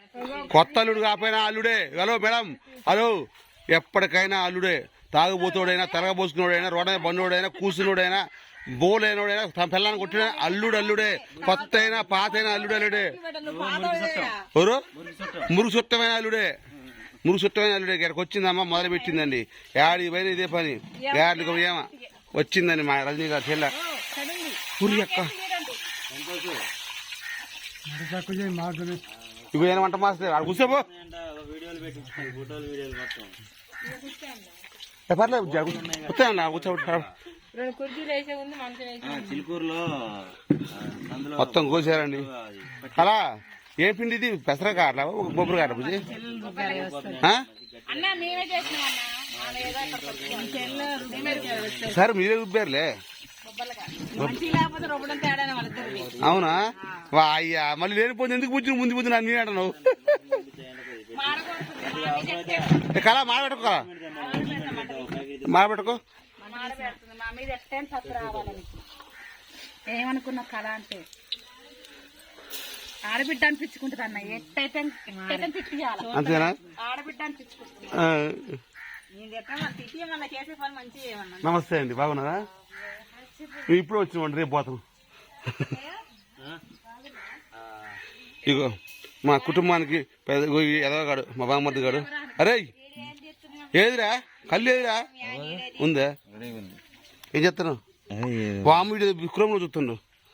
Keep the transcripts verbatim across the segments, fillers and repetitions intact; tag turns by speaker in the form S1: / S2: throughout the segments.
S1: కొత్త అల్లుడు కాకపోయినా అల్లుడే. హలో మేడం, హలో, ఎప్పటికైనా అల్లుడే. తాగుబోతుడైనా, తరగబోసుకున్నాడైనా, రోడ్డ బండోడైనా, కూర్చున్నోడైనా, బోలైనోడైనా, తన పిల్లని కొట్టిన అల్లుడు అల్లుడే. కొత్త అయినా పాత అయినా అల్లుడు అల్లుడే. ఎవరు మురుగు చుట్టమైన అల్లుడే. మురుగు చుట్టమైన అల్లుడే. ఇక్కడికి వచ్చిందమ్మా, మొదలు పెట్టిందండి. ఏడికి పోయినా ఇదే పని. ఏడికి ఏమా వచ్చిందండి మా రజనీ గారు చెల్ల. ఊరి అక్క ఇవి ఏం వంట మాస్టర్ అక్కడ కూర్చోబో. పర్లేదు కూర్చోండి, కూర్చోబెట్టు. మొత్తం కోసారండి. అలా ఏం పిండి ఇది? పెసర కాట్లా, బొబ్బరు కాట్లా బుజ్జి? సరే మీరే రుబ్బారులే. అవునా? అయ్యా మళ్ళీ లేనిపోతే ఎందుకు పుచ్చిన ముందు పుచ్చిన నేను అంటున్నావు. కళ మాడబెట్టుకో, కళ మాడబెట్టుకో.
S2: ఏమనుకున్నా కళ అంటే ఆడబిడ్డ అనిపించుకుంటుంది అన్న. ఎట్టయితే
S1: అంతేనా?
S2: ఆడబిడ్డ అనిపించుకుంటుంది.
S1: నమస్తే అండి, బాగున్నారా? ఇప్పుడు వచ్చినామండి, రేపు పోతాం. ఇగో మా కుటుంబానికి పెద్ద ఎదవగాడు, మా బామ్మర్ది గాడు. అరే ఏదిరా కళ్ళు ఏదిరా ఉందా? ఏం చెప్తాను? బామ్మ విక్రమ్ లో చూస్తుండు.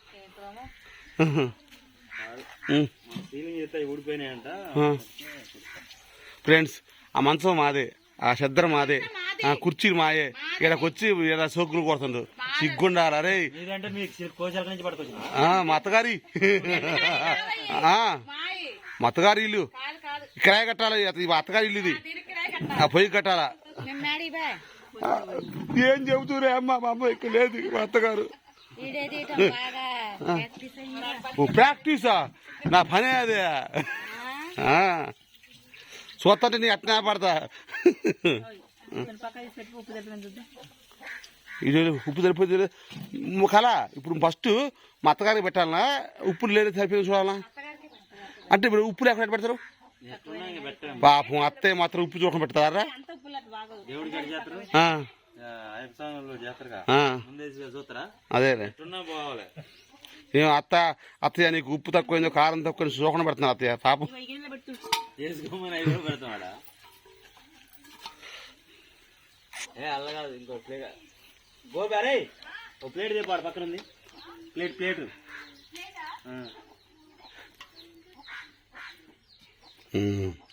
S1: ఫ్రెండ్స్, ఆ మంచం మాదే, ఆ శద్ర మాదే, ఆ కుర్చీలు మాయే. ఇక్కడికి వచ్చి ఇలా సోకులు కొడుతుండు. సిగ్గుండాలి. అరే మా అత్తగారి మా అత్తగారి ఇల్లు కిరాయి కట్టాలి. అత్తగారి ఇల్లు ఇది, ఆ పొయ్యి కట్టాలా. ఏం చెబుతురే అమ్మ, మా అమ్మ ఇక్కడ లేదు. మా అత్తగారు ప్రాక్టీసా? నా పనే అదే. చూస్తుంటే నీ అట్నే పడతా. ఇది ఉప్పు సరిపోతుంది కళ. ఇప్పుడు ఫస్ట్ మా అత్తగారికి పెట్టాలనా, ఉప్పు లేదు సరిపోయింది చూడాలనా? అంటే ఇప్పుడు ఉప్పు లేకుండా పెడతారు. పాపం అత్తయ్య మాత్రం ఉప్పు చూడకుండా పెడతారా? అదే ఏం అత్త అత్తయ్య నీకు ఉప్పు తక్కువైందో కారం తక్కువ చూడకుండా పెడుతున్నారు అత్తయ్య. పాపం
S3: ఇంకో ప్లేట్ గోబారే, ఒక ప్లేట్ తెప్పాడు పక్కన ఉంది. Plate plate
S1: Mm.